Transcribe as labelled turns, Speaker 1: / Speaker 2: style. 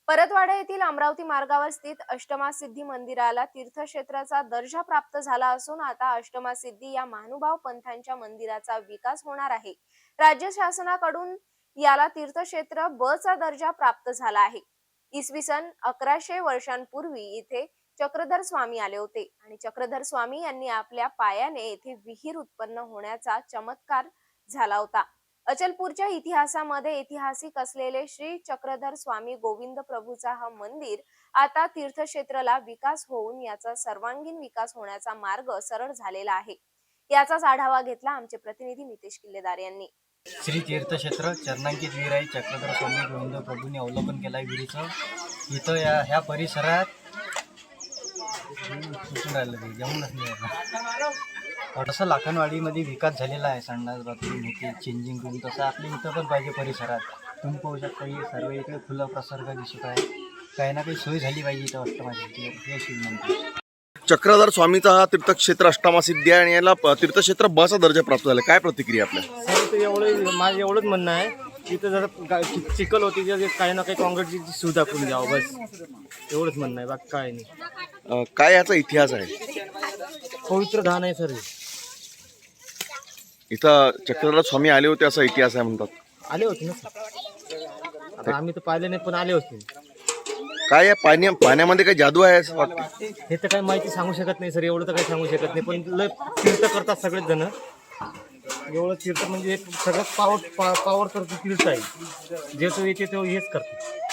Speaker 1: परतवाडा येथील अमरावती मार्गावर स्थित अष्टमासिद्धी मंदिराला तीर्थक्षेत्राचा दर्जा प्राप्त झाला असून आता अष्टमासिद्धी या महानुभाव पंथांच्या मंदिराचा विकास होणार आहे। राज्य शासनाकडून याला तीर्थक्षेत्र ब चा दर्जा प्राप्त झाला आहे। इसवी सन 1100 वर्षांपूर्वी इथे चक्रधर स्वामी आले होते आणि चक्रधर स्वामी यांनी आपल्या पायाने येथे विहीर उत्पन्न होण्याचा चमत्कार झाला होता। अचलपूरच्या इतिहासामध्ये ऐतिहासिक असलेले श्री चक्रधर स्वामी गोविंद प्रभूचा हा मंदिर आता तीर्थक्षेत्राला विकास होऊन याचा सर्वांगीण विकास होण्याचा मार्ग सरळ झालेला आहे। याचाच आढावा घेतला आमचे प्रतिनिधी नितेश किल्लेदार यांनी।
Speaker 2: श्री तीर्थक्षेत्र चरणांकित विहीर आहे। चक्रधर स्वामी गोविंद प्रभूंनी अवलोकन केलं आहे विहिरीचं। इथं ह्या परिसरात थोडंसं लाखनवाडीमध्ये विकास झालेला आहे। संडास बाथरूम होते, चेंजिंग रूम, तसं आपल्या इथं पण पाहिजे परिसरात। तुम्ही पाहू शकता हे सर्व इकडे खुला प्रसर्ग दिसत आहे। काही ना काही सोय झाली पाहिजे इथं अष्टमासिद्धी हे शिवमंदिर।
Speaker 3: चक्रधर स्वामीचा हा तीर्थक्षेत्र अष्टमासिद्धी आहे आणि याला तीर्थक्षेत्र ब चा दर्जा प्राप्त झाला। काय प्रतिक्रिया आपल्या?
Speaker 4: सर ते माझं एवढंच म्हणणं आहे, तिथं जर चिखल होती तर काही ना काही काँक्रीटची सुविधा करून द्यावं, बस एवढंच म्हणणं आहे, बाकी काय नाही।
Speaker 3: काय याचा इतिहास आहे?
Speaker 4: पवित्र धान आहे सर।
Speaker 3: इथं चक्रधर स्वामी आले होते असा इतिहास आहे म्हणतात।
Speaker 4: आले होते ना सर, आता आम्ही तर पाहिले नाही पण आले होते।
Speaker 3: काय या पाण्यामध्ये काही जादू आहे असं वाटतं?
Speaker 4: हे तर काही माहिती सांगू शकत नाही सर, एवढं तर काही सांगू शकत नाही, पण लय तीर्थ करतात सगळेच जण। एवढं तीर्थ म्हणजे सगळ्यात पावर तर तीर्थ आहे, जे तो येते तो हेच करतो।